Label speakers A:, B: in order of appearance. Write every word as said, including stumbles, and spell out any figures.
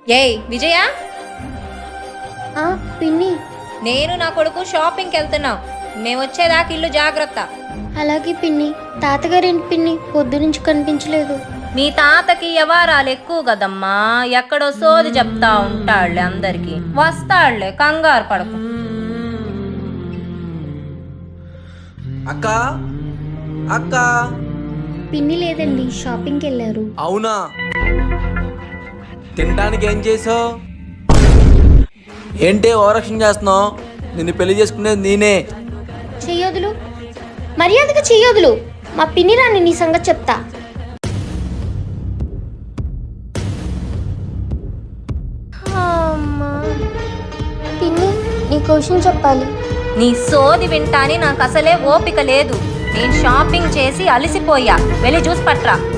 A: ఏయ్ విజయ,
B: పిన్ని.
A: నేను నా కొడుకు షాపింగ్కి వెళ్తున్నాం. మేము వచ్చేదాకా ఇల్లు జాగ్రత్త.
B: అలాగే పిన్ని. తాతగారేంటి పిన్ని పొద్దు నుంచి కనిపించలేదు?
A: మీ తాతకి వ్యవహారాలు ఎక్కువ కదమ్మా, ఎక్కడో సోది చెప్తా ఉంటాడులే అందరికి. వస్తాడులే, కంగారు పడకు.
C: అక్క అక్క
B: పిన్ని లేదండి, షాపింగ్కి వెళ్ళారు.
C: అవునా? తినడానికి ఏం చేసావు? ఏంటి ఓవరాక్షన్ చేస్తున్నావు? నిన్ను పెళ్లి చేసుకునేది నేనే.
B: చెయ్యొదులు, మర్యాదగా చెయ్యొదులు. మా పిన్ని రాని నీ సంగతి చెప్తా. పిన్ని, నీ క్వశ్చన్ చెప్పాలి.
A: నీ సోది వింటాని నాకు అసలే ఓపిక లేదు. నేను షాపింగ్ చేసి అలసిపోయా. వెళ్ళి జ్యూస్ పట్రా.